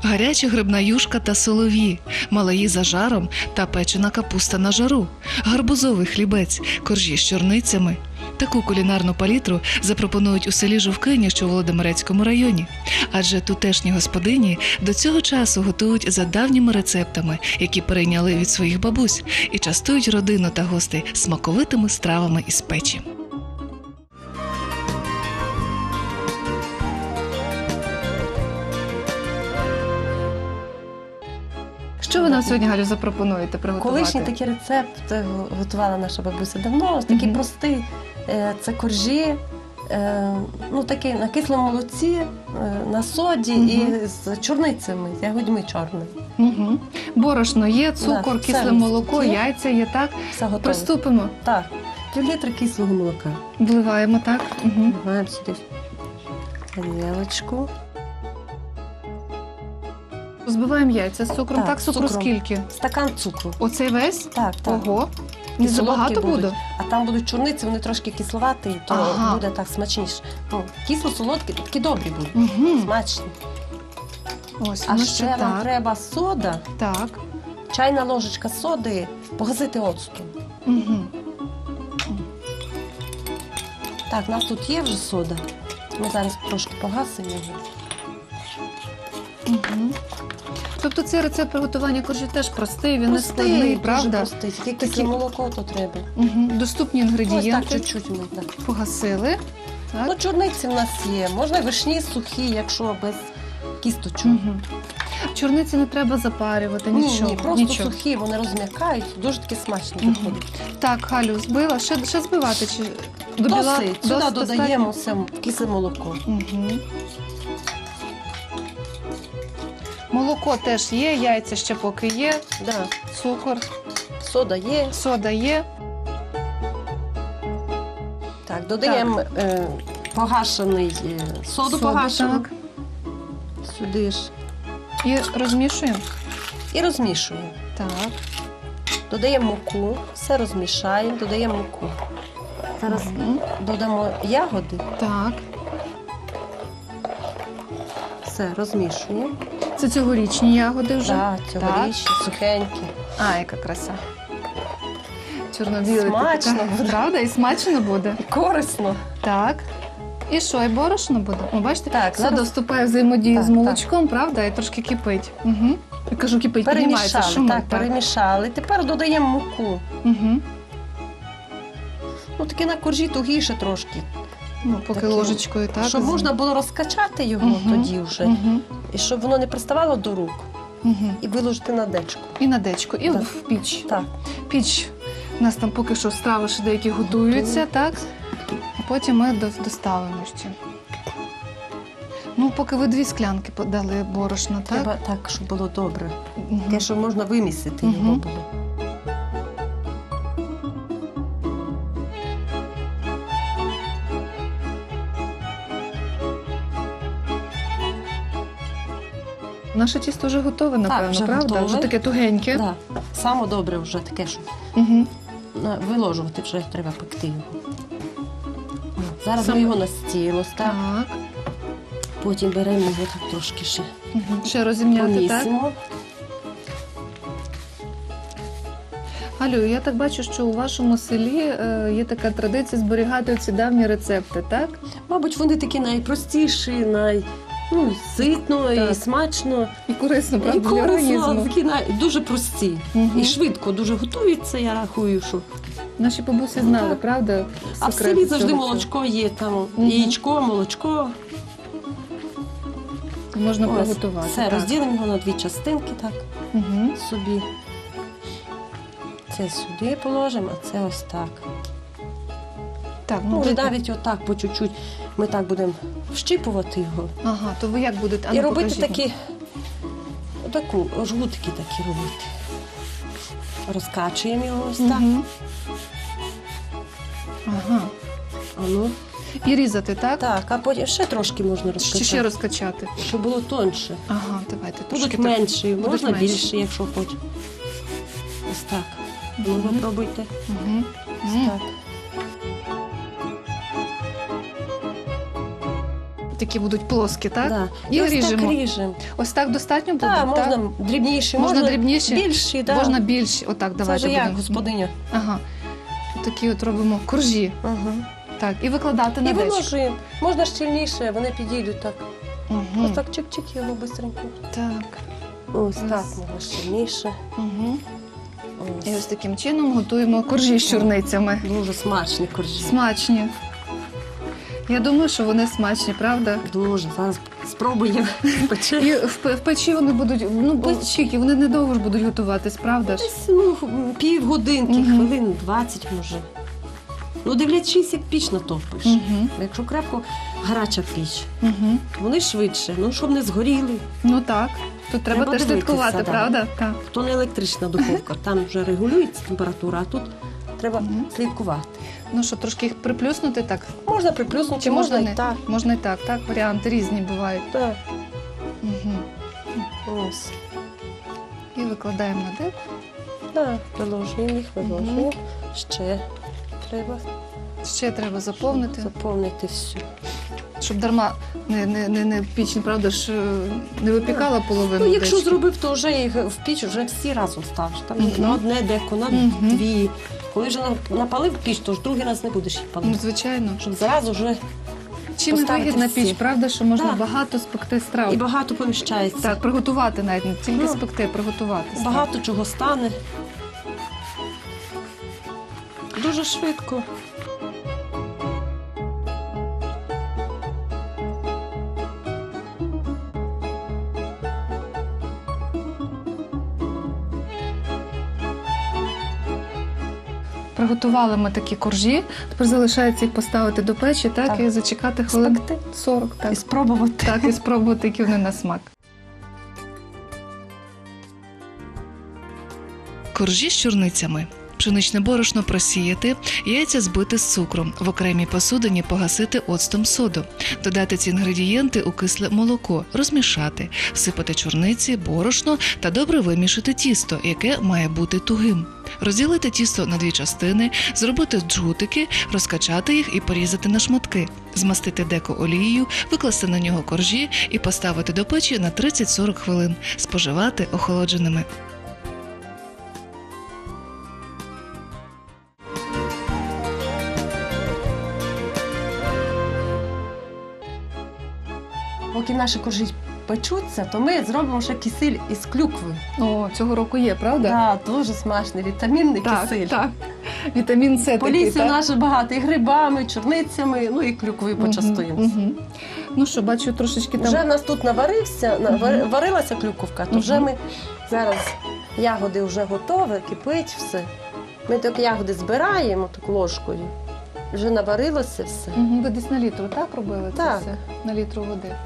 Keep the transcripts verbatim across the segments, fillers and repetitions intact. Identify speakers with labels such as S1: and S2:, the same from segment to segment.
S1: гаряча грибна юшка та солов'ї, малаї за жаром та печена капуста на жару, гарбузовий хлібець, коржі з чорницями. Таку кулінарну палітру запропонують у селі Жовкині, що у Володимирецькому районі. Адже тутешні господині до цього часу готують за давніми рецептами, які перейняли від своїх бабусь, і частують родину та гостей смаковитими стравами із печі.
S2: Що ви нам сьогодні, Галю, запропонуєте приготувати?
S3: Колишній такий рецепт е, готувала наша бабуся давно. Ось такий
S2: Мгм.
S3: простий. Е, Це коржі, е, ну такий на кислому молоці, е, на соді
S2: Мгм.
S3: і з чорницями, з ягодьми чорними.
S2: Угу. Борошно є, цукор,
S3: Да,
S2: кисле
S3: все
S2: молоко,
S3: є.
S2: яйця є, так?
S3: Все готове.
S2: Приступимо.
S3: Так, пів літра кислого молока.
S2: Вливаємо, так? Угу.
S3: Вливаємо сюди тарілочку.
S2: Збиваємо яйця з цукром, так?
S3: Так, з
S2: Цукру
S3: цукром.
S2: скільки?
S3: Стакан цукру.
S2: Оцей весь?
S3: Так, так.
S2: Ого. Не
S3: І
S2: забагато
S3: солодкі
S2: буде?
S3: будуть. А там будуть чорниці, вони трошки кисловаті, то
S2: Ага.
S3: буде так смачніше. Ну, кисло-солодкі, такі добрі будуть,
S2: Угу.
S3: смачні.
S2: Ось,
S3: А
S2: воно
S3: ще нам
S2: так.
S3: треба сода,
S2: Так.
S3: чайна ложечка соди, погасити оцтом.
S2: Угу.
S3: Так, у нас тут є вже сода. Ми зараз трошки погасимо його.
S2: Угу. Тобто цей рецепт приготування коржів теж простий, він не складний,
S3: Простий,
S2: правда?
S3: дуже простий. Тільки
S2: Такі-
S3: кисле молоко то треба.
S2: Угу. Доступні
S3: Ось так,
S2: інгредієнти.
S3: чуть-чуть ми так.
S2: Погасили. Так.
S3: Ну, чорниці в нас є. Можна вишні сухі, якщо без кісточок.
S2: Угу. Чорниці не треба запарювати,
S3: Ні,
S2: нічого.
S3: ні, просто
S2: нічого.
S3: сухі, вони розм'якають, дуже таки смачно
S2: Мгм.
S3: виходить.
S2: Так, Галю, збила. Ще, ще збивати? Чи до біла?
S3: Досить, сюди
S2: Досить
S3: додаємо все кисле молоко.
S2: Угу. Молоко теж є, яйця ще поки є,
S3: Да.
S2: цукор,
S3: Сода є.
S2: сода є.
S3: Так, додаємо е, погашений е, соду,
S2: Соду,
S3: погашену
S2: так.
S3: сюди ж
S2: І розмішуємо.
S3: і розмішуємо.
S2: Так.
S3: Додаємо муку, все розмішаємо, додаємо муку. Зараз
S2: Мгм.
S3: додамо ягоди,
S2: Так.
S3: все розмішуємо.
S2: Це цьогорічні ягоди вже.
S3: Так, цьогорічні, сухенькі.
S2: А, яка краса. Чорно-білий.
S3: Смачно
S2: такий, так?
S3: буде.
S2: Правда? І смачно буде.
S3: І корисно.
S2: Так. І що, і борошно буде? О, бачите?
S3: Так,
S2: Сода
S3: зараз
S2: вступає в взаємодію
S3: Так,
S2: з молочком, правда? І трошки кипить. Угу. Я кажу, кипить, піднімається,
S3: перемішали.
S2: шумить.
S3: Так, перемішали. Тепер додаємо муку.
S2: Угу.
S3: Ну, таки на коржі тугіше трошки.
S2: Ну, поки
S3: Такі,
S2: ложечкою, так?
S3: щоб можна було розкачати його
S2: Мгм.
S3: тоді вже.
S2: Угу.
S3: І щоб воно не приставало до рук.
S2: Угу.
S3: І виложити на дечку.
S2: І на дечку, і
S3: Так.
S2: в піч.
S3: Так.
S2: Піч. У нас там поки що страви ще деякі готуються, так? А потім ми до- доставимо ще. Ну, поки ви дві склянки подали борошна, так?
S3: Треба так, щоб було добре.
S2: Мгм.
S3: Таке, щоб можна вимісити
S2: Мгм.
S3: його було.
S2: Наше тісто вже готове, напевно,
S3: вже
S2: правда?
S3: готове.
S2: Вже таке тугеньке.
S3: Да. Саме добре вже таке, щоб
S2: Угу.
S3: на- виложувати вже треба пекти його. О, Зараз
S2: Саме-
S3: ми його на стіл ось так.
S2: Так.
S3: Потім беремо його так трошки ще
S2: Угу. Ще розім'яти, так?
S3: помісимо.
S2: Галю, я так бачу, що у вашому селі е, є така традиція зберігати ці давні рецепти, так?
S3: Мабуть, вони такі найпростіші, най... ну, ситно і
S2: Так.
S3: смачно.
S2: І корисно,
S3: І
S2: правда, для
S3: корисно,
S2: організму.
S3: такі най... дуже прості.
S2: Мгм.
S3: І швидко дуже готуються, я рахую, що.
S2: Наші бабусі знали,
S3: Так.
S2: правда?
S3: А в
S2: секрети
S3: селі завжди
S2: цього всього.
S3: молочко є, там
S2: Мгм.
S3: яєчко, молочко.
S2: Можна
S3: Ось,
S2: приготувати.
S3: все,
S2: так.
S3: розділимо його на дві частинки, так,
S2: Угу.
S3: собі. Це сюди положимо, а це ось так.
S2: Так, ну,
S3: Ну, вже
S2: ви-
S3: навіть отак по чуть-чуть ми так будемо вщипувати його.
S2: Ага, то ви як будете? А
S3: І
S2: ну,
S3: робити
S2: покажіть нам.
S3: такі, отаку, жгутики такі робити. Розкачуємо його ось так.
S2: Мгм. Ага.
S3: А ну,
S2: І різати, так?
S3: так, а потім ще трошки можна
S2: Чи ще
S3: розкачати,
S2: розкачати?
S3: щоб було тонше.
S2: Ага, давайте трошки.
S3: Будуть
S2: так.
S3: менші,
S2: Будуть
S3: можна
S2: менші.
S3: більше, якщо хочеш. Ось так. Ну,
S2: Мгм.
S3: ви пробуйте.
S2: Мгм.
S3: Ось
S2: М.
S3: так.
S2: такі будуть плоскі, так?
S3: Да.
S2: І
S3: І ось
S2: ріжемо.
S3: так ріжемо.
S2: Ось так достатньо буде?
S3: Так, можна
S2: так?
S3: дрібніші,
S2: Можна
S3: можна,
S2: дрібніші?
S3: більші. Да.
S2: Можна більші. Отак,
S3: Це
S2: давайте
S3: вже як
S2: будемо.
S3: господиня.
S2: Ага. Такі от робимо коржі.
S3: Угу.
S2: Так, і викладати на
S3: І
S2: дечко.
S3: виложуємо. Можна щільніше, вони підійдуть так.
S2: Угу.
S3: Ось так чик-чик його швидко.
S2: Так.
S3: Ось
S2: Ось.
S3: так, можна щільніше.
S2: Угу.
S3: Ось.
S2: І ось таким чином готуємо коржі з чорницями.
S3: Дуже смачні коржі.
S2: Смачні. Я думаю, що вони смачні, правда?
S3: Дуже. Зараз спробуємо.
S2: І в, п- в печі вони будуть, ну, печі, вони недовго ж будуть готуватись, правда ж?
S3: Десь ну, півгодинки,
S2: Мгм.
S3: хвилин двадцять може. Ну, дивлячись, як піч натопиш.
S2: Угу.
S3: Якщо крепко гаряча піч,
S2: Угу.
S3: вони швидше, ну щоб не згоріли.
S2: Ну так. Тут треба,
S3: Треба
S2: теж
S3: дивитися,
S2: слідкувати,
S3: да.
S2: правда? Так.
S3: То не електрична духовка, там вже регулюється температура, а тут треба
S2: Мгм.
S3: слідкувати.
S2: Ну що, трошки їх приплюснути так?
S3: Можна приплюснути,
S2: Чи можна
S3: можна
S2: не?
S3: і так.
S2: Можна і так, так, варіанти різні бувають.
S3: Так.
S2: Угу.
S3: Ось.
S2: І викладаємо на деко.
S3: Так, приложуємо їх, виложуємо.
S2: Мгм.
S3: Ще треба
S2: Ще треба заповнити,
S3: заповнити всю.
S2: щоб дарма не, не, не, не піч, правда ж, е, не випікала половину.
S3: Ну, якщо
S2: дечки.
S3: зробив, то вже їх в піч вже всі разом ставиш. Там
S2: Мгм.
S3: на одне деко, на
S2: Мгм.
S3: дві. Коли вже на- напалив піч, то ж другий раз не будеш їх
S2: Ну,
S3: палити.
S2: звичайно.
S3: Щоб зразу вже
S2: Чим і
S3: поставити
S2: вигідна
S3: всі.
S2: піч, правда, що можна
S3: Так.
S2: багато спекти страв.
S3: і багато поміщається.
S2: Так, приготувати навіть, не тільки
S3: Ну,
S2: спекти, а приготувати. страв.
S3: Багато чого стане. Дуже швидко.
S2: Приготували ми такі коржі, тепер залишається їх поставити до печі, так,
S3: Так.
S2: і зачекати хвилин
S3: Спекти
S2: сорок, так.
S3: і спробувати.
S2: Так, і спробувати, які вони на смак.
S1: Коржі з чорницями. Пшеничне борошно просіяти, яйця збити з цукром, в окремій посудині погасити оцтом соду, додати ці інгредієнти у кисле молоко, розмішати, всипати чорниці, борошно та добре вимішати тісто, яке має бути тугим. Розділити тісто на дві частини, зробити джгутики, розкачати їх і порізати на шматки, змастити деко олією, викласти на нього коржі і поставити до печі на тридцять-сорок хвилин, споживати охолодженими.
S3: Поки наші коржі печуться, то ми зробимо ще кисель із клюкви.
S2: О, цього року є, правда?
S3: Так, дуже смачний, вітамінний
S2: так,
S3: кисель.
S2: так. Вітамін С
S3: По
S2: такий,
S3: лісі
S2: так?
S3: наше багато і грибами, чорницями, ну і клюквою почастуємося.
S2: Мгм, мгм. Ну що, бачу, трошечки там.
S3: Вже в нас тут наварився, навар-
S2: Мгм.
S3: варилася клюковка, то вже
S2: Мгм.
S3: ми зараз ягоди вже готові, кипить все. Ми так ягоди збираємо так ложкою. Вже наварилося все.
S2: Мгм, ви десь на літру, так, робили
S3: Так.
S2: це все? На літру води.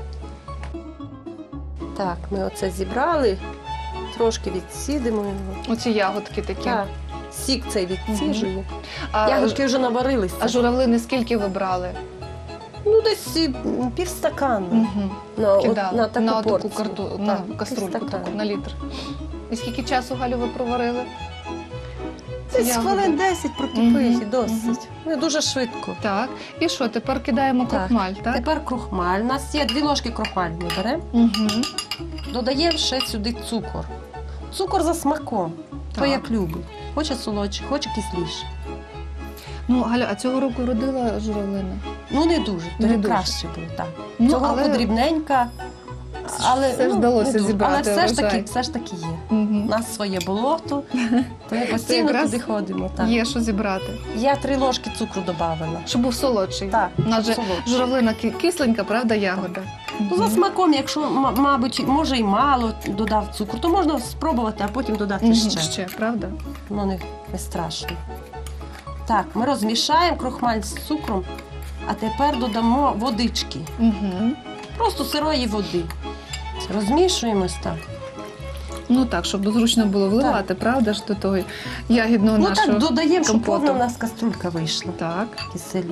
S3: Так, ми оце зібрали, трошки відсідимо його.
S2: Оці ягодки такі.
S3: Так, сік цей відсіжує.
S2: А,
S3: Ягодки вже наварилися.
S2: а журавлини скільки ви брали?
S3: Ну, десь і, м, півстакана.
S2: Угу.
S3: На, от,
S2: Кидали
S3: на таку
S2: на таку
S3: порцію.
S2: карту,
S3: Так,
S2: на каструльку
S3: півстакана.
S2: таку, на літр. І скільки часу, Галю, ви проварили? ці
S3: Десь
S2: ягоди?
S3: хвилин десять прокипить
S2: Мгм,
S3: і досить. Ну, дуже швидко.
S2: Так. І що, тепер кидаємо
S3: Так.
S2: крохмаль, так?
S3: Тепер крохмаль. У нас є дві ложки крохмалю ми беремо.
S2: Угу.
S3: Додаємо ще сюди цукор. Цукор за смаком, хто
S2: Так.
S3: як любить. Хоче солодше, хоче кисліше.
S2: Ну, Галя, а цього року родила журавлина?
S3: Ну не дуже,
S2: Не
S3: тоді
S2: дуже.
S3: краще було. Так.
S2: Ну,
S3: Цього
S2: але
S3: року дрібненька, але
S2: все ж
S3: ну,
S2: вдалося
S3: не дуже.
S2: зібрати
S3: Але все ж
S2: врожай.
S3: таки, все ж таки є. У
S2: Мгм.
S3: нас своє болото, то ми постійно
S2: якраз
S3: туди ходимо. Так.
S2: Є що зібрати.
S3: Я три ложки цукру додавала.
S2: Щоб був солодший.
S3: Так,
S2: У нас же
S3: солодше.
S2: журавлина ки- кисленька, правда, ягода?
S3: Ну, за
S2: Мгм.
S3: смаком, якщо, м- мабуть, може і мало додав цукру, то можна спробувати, а потім додати
S2: Мгм,
S3: ще.
S2: ще, правда?
S3: Ну, не, не страшно. Так, ми розмішаємо крохмаль з цукром, а тепер додамо водички.
S2: Угу.
S3: Просто сирої води. Розмішуємо ось так.
S2: Ну так, щоб зручно було вливати, правда ж, до того ягідного
S3: Ну
S2: нашого.
S3: так, додаємо, щоб
S2: компоту.
S3: повна у нас каструлька вийшла.
S2: Так.
S3: Киселю.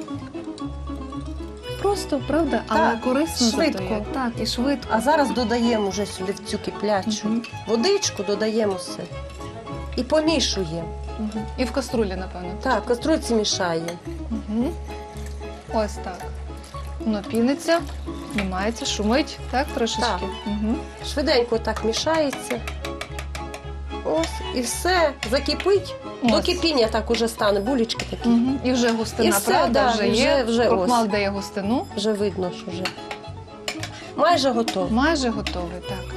S2: Просто, правда, але
S3: Так,
S2: корисно
S3: швидко.
S2: зато є. Так, і швидко.
S3: А зараз додаємо вже сюди в цю киплячу
S2: Мгм.
S3: водичку, додаємо все. І помішуємо.
S2: Мгм. І в каструлі, напевно.
S3: Так, в каструльці мішаємо.
S2: Угу. Ось так. Воно піниться, знімається, шумить, так, трошечки?
S3: Так.
S2: Угу.
S3: Швиденько так мішається. Ось, і все, закипить. До
S2: Ось.
S3: кипіння так уже стане, булечки такі.
S2: Угу. І вже густина,
S3: І все,
S2: правда,
S3: да,
S2: вже
S3: вже-
S2: є.
S3: вже
S2: Крохмал
S3: ось.
S2: дає густину.
S3: Вже видно, що вже майже готово.
S2: Майже готовий, так.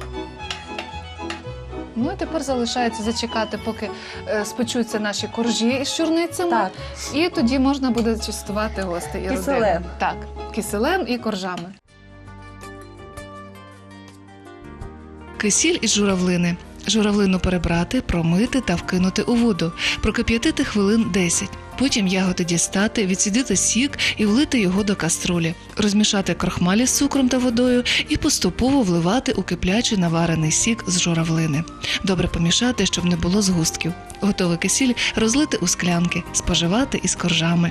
S2: Ну і тепер залишається зачекати, поки е, спечуться наші коржі із чорницями.
S3: Так,
S2: І тоді можна буде частувати гостей і
S3: Киселем.
S2: родину. Так, киселем і коржами.
S1: Кисіль із журавлини. Журавлину перебрати, промити та вкинути у воду. Прокип'ятити хвилин десять. Потім ягоди дістати, відсідити сік і влити його до каструлі. Розмішати крохмалі з цукром та водою і поступово вливати у киплячий наварений сік з журавлини. Добре помішати, щоб не було згустків. Готовий кисіль розлити у склянки, споживати із коржами.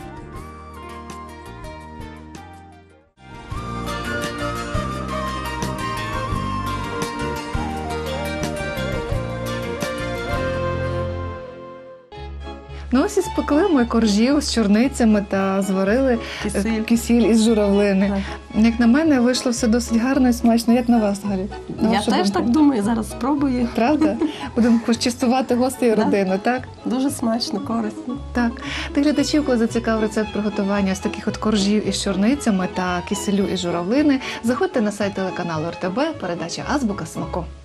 S2: Ну ось і спекли ми коржів з чорницями та зварили е,
S3: кисиль.
S2: кисіль із журавлини. Як на мене, вийшло все досить гарно і смачно. Як на вас, Галі? На
S3: Я
S2: вашу
S3: теж
S2: думку?
S3: так думаю, зараз спробую.
S2: Правда? Будемо частувати гостей і
S3: Да.
S2: родину, так?
S3: Дуже смачно, корисно.
S2: Так. Ти глядачів, коли зацікав рецепт приготування ось таких от коржів із чорницями та киселю із журавлини, заходьте на сайт телеканалу РТБ, передача «Азбука смаку».